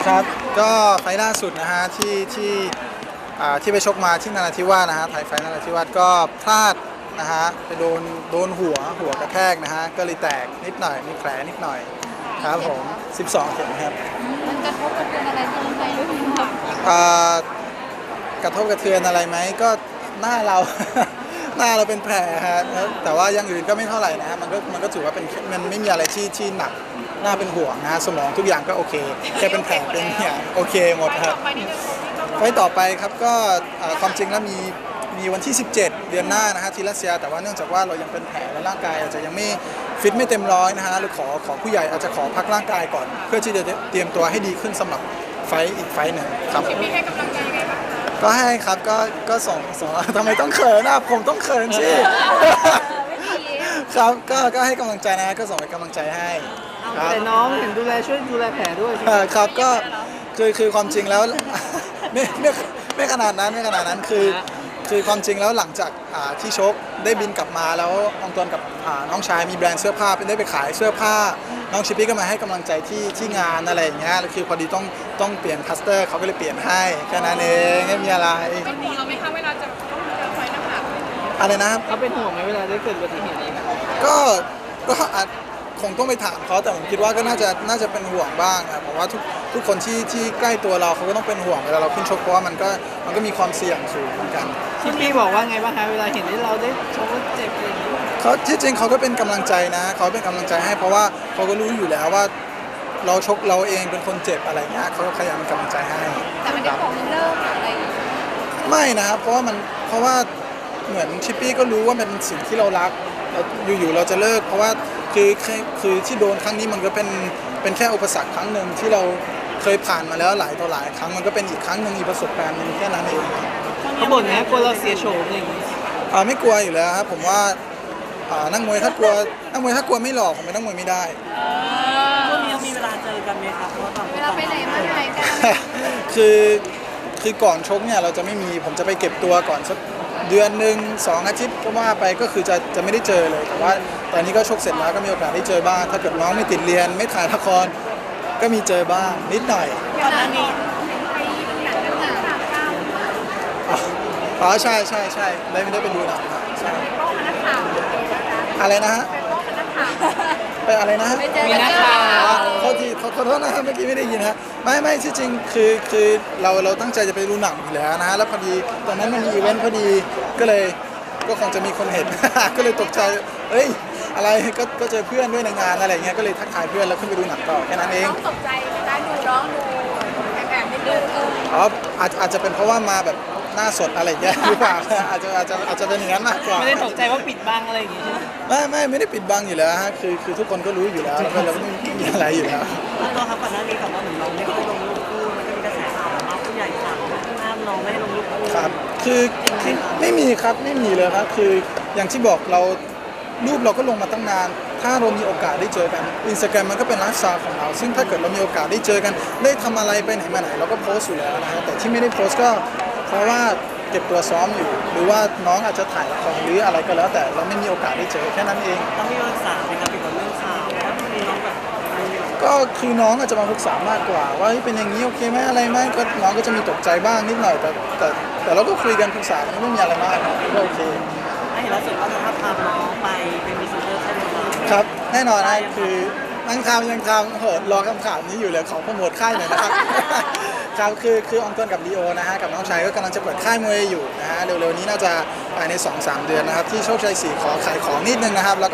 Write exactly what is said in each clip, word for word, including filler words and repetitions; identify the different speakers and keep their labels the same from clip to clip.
Speaker 1: ครับก็ไฟล์ล่าสุดนะฮะที่ที่อ่าที่ไปชกมาที่นราธิวาสนะฮะไทยไฟล์นราธิวาสก็พลาดนะฮะไปโดนโดนหัวหัวกระแทกนะฮะก็เลยแตกนิดหน่อยมีแผลนิดหน่อยครับผมสิบสองเข็มครับ
Speaker 2: มันกระทบกระเทือนอะไรที่ไหมหรือเปล่า
Speaker 1: อ่ากระทบกระเทือนอะไรไหมก็หน้าเรา หน้าเราเป็นแผลฮะแล้วแต่ว่าอย่างอื่นก็ไม่เท่าไหร่นะฮะมันก็มันก็ถือว่าเป็นมันไม่มีอะไรที่ที่หนักน่าเป็นห่วงนะฮะสมองทุกอย่างก็โอเคแค่เป็นแผลเป็นอย่างโอเคหมดครับไว้ต่อไปครับก็อ่าความจริงแล้วมีมีวันที่ สิบเจ็ด เดือนหน้านะฮะที่รัสเซียแต่ว่าเนื่องจากว่าเรายังเป็นแผลและร่างกายอาจจะยังไม่ฟิตไม่เต็มร้อยนะฮะหรือขอขอผู้ใหญ่อาจจะขอพักร่างกายก่อน เพื่อที่จะเตรียมตัวให้ดีขึ้นสำหรับไฟต์อีกไฟต์หนึ่งครับ
Speaker 2: มีให้กำลังใจยังไงบ้างคะ
Speaker 1: ก็ให้ครับก็ก็ส่งส่งทำไมต้องเขินนะผมต้องเขินสิ
Speaker 2: ไม่ดี
Speaker 1: ครับก็ก็ให้กำลังใจนะก็ส่งเป็นกำลังใจให้ครับ
Speaker 3: แต่น้องเห็นดูแลช่วยดูแลแผลด้วยใช่ไหม
Speaker 1: เอ่อครับก็คือคือความจริงแล้ว ไม่ไม่ไม่ขนาดนั้นไม่ขนาดนั้นคือคือความจริงแล้วหลังจากอ่าที่ชกได้บินกลับมาแล้วอองตวนกับอ่าน้องชายมีแบรนด์เสื้อผ้าเป็นได้ไปขายเสื้อผ้าน้องชิปปี้ก็มาให้กำลังใจที่ที่งานอะไรอย่างเงี้ยแล้วคือพอดีต้องต้องเปลี่ยนคัสเตอร์เขาก็เลยเปลี่ยนให้แค่นั้นเองไม่มีอะไร
Speaker 2: เป็นห่วงเราไหมคะเวลาจะต้องเจอไฟน้ำหนัก
Speaker 1: อะไรนะครับ
Speaker 3: เขาเป็นห่วงไหมเวลาได้เกิดอุบัติเหตุนี้ครับ
Speaker 1: ก็ก็อาจคงต้องไปถามเขาแต่ผมคิดว่าก็น่าจะน่าจะเป็นห่วงบ้างนะผมว่าทุกทุกคนที่ที่ใกล้ตัวเราเขาก็ต้องเป็นห่วงเวลาเราขึ้นชกเพราะว่ามันก็มันก็มีความเสี่ยงสูงเหมือนกัน
Speaker 3: ชิปปี้บอกว่าไงบ้างคะเวลาเห็นที่เราได้ชกแล้วเจ็บอะไรอย่างเงี้ย
Speaker 1: เขาที่จริงเขาก็เป็นกำลังใจนะเขาเป็นกำลังใจให้เพราะว่าเขาก็รู้อยู่แล้วว่าเราชกเราเองเป็นคนเจ็บอะไรเงี้ยเขาก็พยายามเป็นกำลังใจให้
Speaker 2: แต่ไม่ได้บอกเลิกหรืออะไร
Speaker 1: ไม่นะครับเพราะว่ามันเพราะว่าเหมือนชิปปี้ก็รู้ว่ามันเป็นสิ่งที่เรารักเราอยู่ๆเราจะเลิกเพราะว่าคือคือคือที่โดนครั้งนี้มันก็เป็นเป็นแค่อุปสรรคครั้งหนึ่งที่เราเคยผ่านมาแล้วหลายต่อหลายครั้งมันก็เป็นอีกครั้งหนึ่งอีกประสบการณ์หนึ่งแค่นั้นเอง
Speaker 3: เขาบ่นนะกลัวเราเสียโฉมอะไรอย่างเงี้ย
Speaker 1: อ่าไม่กลัวอยู่แล้วครับผมว่าอ่านักมวยถ้ากลัวนักมวยถ้ากลัวไม่หลอกผมเป็นนักมวยไม่ได้
Speaker 3: ช่วงนี้มีเวลาเจอกันไหมครับเพราะว่าต่างค
Speaker 2: เวน ลา
Speaker 3: ต่าง
Speaker 2: ไปไหนมาไหนกัน
Speaker 1: คือคือก่อนชกเนี่ยเราจะไม่มีผมจะไปเก็บตัวก่อนสักเดือนหนึ่งสองอาทิตย์ก็ว่าไปก็คือจะจะไม่ได้เจอเลยแต่ว่าตอนนี้ก็ชกเสร็จแล้วก็มีโอกาสได้เจอบ้างถ้าเกิดน้องไม่ติดเรียนไม่ถ่ายละครก็มีเจอบ้างนิดหน่อย
Speaker 2: ก่อนหน้านี้ไปหนังน้ำหนัก
Speaker 1: อ๋ออ๋อใช่ใช่ใช่ได้ไม่ได้ไปดูหนังครับใช่
Speaker 2: ป้องกันนักข่าว
Speaker 1: อะไรนะฮะ
Speaker 2: ป้องกันนักข่าว
Speaker 1: ไปอะไรนะฮะ
Speaker 2: ไปเจอ
Speaker 3: มี
Speaker 2: กัน
Speaker 3: นัก
Speaker 2: เจอ
Speaker 3: ข่าว
Speaker 1: อ๋อขอทีขอขอโทษนะครับเมื่อกี้ไม่ได้ยินฮะไม่ไม่ที่จริงคือคือเราเราตั้งใจจะไปดูหนังอยู่แล้วนะฮะแล้วพอดีตอนนั้นมันมีอีเวนต์พอดีก็เลยก็คงจะมีคนเห็น ก็เลยตกใจเอ้ยอะไรก็ก็เจอเพื่อนด้วยในงานอะไรเงี้ยก็เลยทักทายเพื่อนแล้วขึ้นไปดูหนังต่อแค่นั้นเอง
Speaker 2: น้องตกใจไหมคะดูน้องดูแอบแอบนิดนึงเออ
Speaker 1: อ๋ออาจอาจจะเป็นเพราะว่ามาแบบหน้าสดอะไรอย่างเงี้ยหรือเปล่า อาจจะอาจจะอาจจะเป็นอย่างนั้นมากกว่า
Speaker 3: ไม่ได้ตกใจว่าปิดบังอะไรอย่างเงี้ยใช่ไหม
Speaker 1: ไม่ไม่ไม่ได้ปิดบังอยู่แล้วฮะคือคือทุกคนก็รู้อยู่แล้วแล้วก็เราก็ไม่มีอะไรอยู่แล้ว
Speaker 4: แล้วตัวครับก่อนหน้านี้แบบว่าเหมือนเราไม่ได้ลงรูปคู่มันก็มีกระแสข่าวว่าผู้ใหญ่สั่งห้ามน้องไม่ให้ลงรูปคู่
Speaker 1: ครับคือคือไม่มีครับไม่มีเลยครับคืออย่างที่บอกเรารูปเราก็ลงมาตั้งนาน ถ้าเรามีโอกาสได้เจอกันอินสตาแกรมมันก็เป็นไลฟ์สไตล์ของเรา ซึ่งถ้าเกิดเรามีโอกาสได้เจอกัน ได้ทำอะไรไปไหนมาไหนเราก็โพสต์อยู่แล้วนะฮะแต่ที่ไม่ได้โพสต์ก็เพราะว่าเก็บตัวซ้อมอยู่ หรือว่าน้องอาจจะถ่ายละครหรืออะไรก็แล้ว แต่เราไม่มีโอกาสได้เจอแค่นั้นเอง
Speaker 4: ต้องมีรักษาไหมครับเกี่ยวกับเรื่องข่าวว่ามีน้องแบบอะไรอยู่
Speaker 1: ก็คือน้องอาจจะมาปรึกษามากกว่า ว่าเฮ้ยเป็นอย่างนี้โอเคไหมอะไรไหมก็น้องก็จะมีตกใจบ้างนิดหน่อยแต่แต่แต่เราก็คุยกันปรึกษากันไม่มีอะไรมากก็โอเค
Speaker 4: ไอ้เห็นล่าสุดว่าจะพาพาน้องไปเป็นมิสเตอร์ใช่ไหมครับ
Speaker 1: ครับแน่นอนนะคือนั่งทำยังทำโหรอคำข่าวนี้อยู่เลยขอโปรโมทค่ายหน่อยนะครับ ครับคือคืออองตวนกับลีโอนะฮะกับน้องชายก็กำลังจะเปิดค่ายมวยอยู่นะฮะเร็วๆนี้น่าจะภายใน สองสาม เดือนนะครับที่โชคชัยสี่ขอขายของนิดนึงนะครับแล้วก็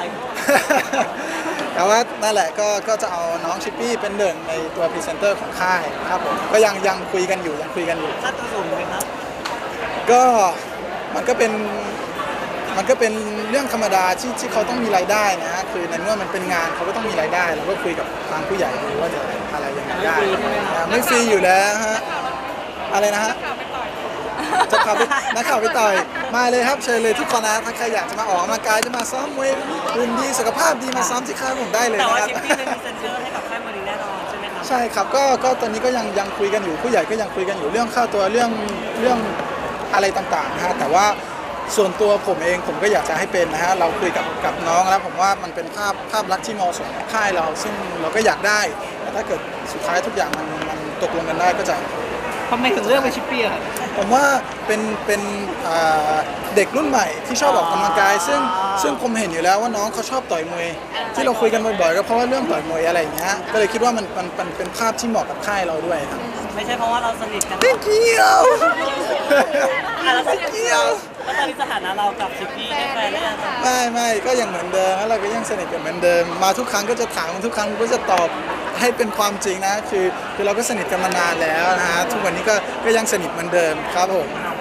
Speaker 1: แต่ว่านั่นแหละก็ก็จะเอาน้องชิปปี้เป็นหนึ่งในตัวพรีเซนเตอร์ของค่ายครับผมก็ยังยังคุยกันอยู่ยังคุยกันอยู่
Speaker 4: ค่าตัวสูงไหมครับ
Speaker 1: ก็มันก็เป็นมันก็เป็นเรื่องธรรมดาที่ที่เขาต้องมีรายได้นะฮะคือในเมื่อมันเป็นงานเขาก็ต้องมีรายได้เราก็คุยกับทางผู้ใหญ่ดูว่าจะอะไรยังไงได้อ่าไม่ฟรีอยู่แล้วฮะอะไรนะฮะจะข่าวไปนักข่าวไปต่อยมาเลยครับเชิญเลยทุกคนนะถ้าใครอยากจะมาออกกำลังกายจะมาซ้อมมวยหุ่นดีสุขภาพดีมาซ้อมที่ค่ายผมได้เลย
Speaker 4: แต่
Speaker 1: นะ
Speaker 4: ว่า
Speaker 1: ครับ
Speaker 4: ชิปปี้เป็นมิสเตอร์ให้กับค่ายมวยนี้แน่นอนใช่ไหมครับ
Speaker 1: ใช่ครับก็ก็ตอนนี้ก็ยังยังคุยกันอยู่ผู้ใหญ่ก็ยังคุยกันอยู่เรื่องค่าตัวเรื่องเรื่องอะไรต่างๆนะฮะแต่ว่าส่วนตัวผมเองผมก็อยากจะให้เป็นนะฮะเราคุยกับกับน้องแล้วผมว่ามันเป็นภาพภาพลักษณ์ที่เหมาะสมกับค่ายเราซึ่งเราก็อยากได้แต่ถ้าเกิดสุดท้ายทุกอย่างมันมันตกลงกันได้ก็จะ
Speaker 3: ทำไมถึงเลือกเป็นชิปปี้อะครับ
Speaker 1: ผมว่าเป็นเป็นอ่าเด็กรุ่นใหม่ที่ชอบออกกำลังกาย ซึ่งซึ่งผมเห็นอยู่แล้วว่าน้องเขาชอบต่อยมวย ที่เราคุยกันบ่อยๆก็เพราะว่าเรื่องต่อยมวยอะไรอย่างเงี้ยก็เลยคิดว่ามันมันมันเป็นภาพที่เหมาะกับค่ายเราด้วยครับ
Speaker 4: ไม่ใช่เพราะว่าเราสนิทกัน
Speaker 1: ไม่เกี่ยว
Speaker 4: อ่ะแล้ว
Speaker 1: ไม่เกี่ยว
Speaker 4: แล้วตอนนี้สถานะเรากับชิปปี้ได้แฟนหรือยังคะ
Speaker 1: ไม่ไม่ก็ยังเหมือนเดิมแล้วเราก็ยังสนิทกันเหมือนเดิม มาทุกครั้งก็จะถามทุกครั้งก็จะตอบให้เป็นความจริงนะคือคือเราก็สนิทกันมานานแล้วนะฮะทุกวันนี้ก็ก็ยังสนิทเหมือนเดิมครับผม
Speaker 4: อ๋อ